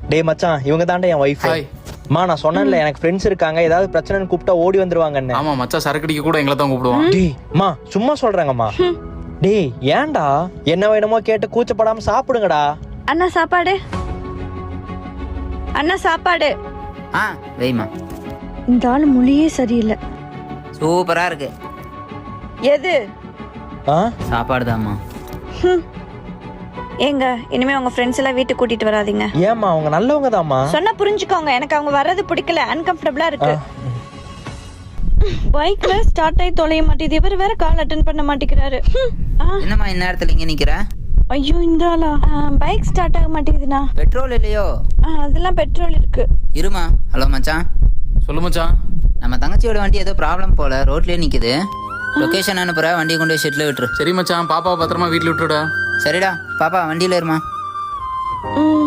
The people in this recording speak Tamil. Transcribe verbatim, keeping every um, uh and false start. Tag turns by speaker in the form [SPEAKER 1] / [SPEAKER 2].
[SPEAKER 1] டேய் மச்சான், இவங்க தாண்டா என் ஒய்ஃப்.
[SPEAKER 2] ஹாய்.
[SPEAKER 1] மா நான் சொன்னேன்ல எனக்கு ஃப்ரெண்ட்ஸ் இருக்காங்க, ஏதாவது பிரச்சனைன்னு கூப்பிட்டா ஓடி வந்துருவாங்கன்னு.
[SPEAKER 2] ஆமா மச்சான், சரக்கடிக்க கூட எங்களை தான் கூப்பிடுவான்.
[SPEAKER 1] டேய் மா சும்மா சொல்றாங்கம்மா. டேய் ஏன்டா என்ன வேணுமோ கேட்டு கூச்சப்படாம சாப்பிடுங்கடா.
[SPEAKER 3] அண்ணா சாப்பாடு, அண்ணா சாப்பாடு.
[SPEAKER 4] ஆ வெய்மா.
[SPEAKER 3] இந்த ஆள் மொழியே சரியில்லை.
[SPEAKER 4] சூப்பரா இருக்கு.
[SPEAKER 3] எது?
[SPEAKER 1] ஆ
[SPEAKER 4] சாப்பாடு தாம்மா.
[SPEAKER 3] ஏங்க இனிமே உங்க ஃப்ரெண்ட்ஸ் எல்லாம் வீட்டுக்கு கூட்டிட்டு வராதீங்க.
[SPEAKER 1] ஏம்மா அவங்க நல்லவங்க தாம்மா.
[SPEAKER 3] சொன்னா புரிஞ்சுக்கோங்க, எனக்கு அவங்க வர்றது பிடிக்கல, அன்கம்ஃபர்டபுளா இருக்கு. பைக்ல ஸ்டார்ட் ஆகி தொலைய மாட்டேது, இவர் வேற கால் அட்டென்ட் பண்ண மாட்டேங்கிறாரு.
[SPEAKER 4] என்னம்மா இந்த நேரத்துல இங்க நிக்கிற?
[SPEAKER 3] ஐயோ இந்த ஆளா? பைக் ஸ்டார்ட் ஆக மாட்டேங்குதுண்ணா.
[SPEAKER 4] பெட்ரோல் இல்லையோ?
[SPEAKER 3] அதெல்லாம் பெட்ரோல் இருக்கு.
[SPEAKER 4] இருமா. ஹலோ மச்சான்.
[SPEAKER 2] சொல்லு மச்சான்.
[SPEAKER 4] நம்ம தங்கச்சியோட வண்டி ஏதோ ப்ராப்ளம் போல, ரோட்லயே நிக்குது. லொகேஷன் அனுப்புற, வண்டியை கொண்டு போய் ஷெட்ல விட்டுரு.
[SPEAKER 2] சரி மச்சான், பாப்பாவை பத்திரமா வீட்டுல விட்டுடா.
[SPEAKER 4] சரிடா பாப்பா, வண்டியில இருமா.
[SPEAKER 3] ம்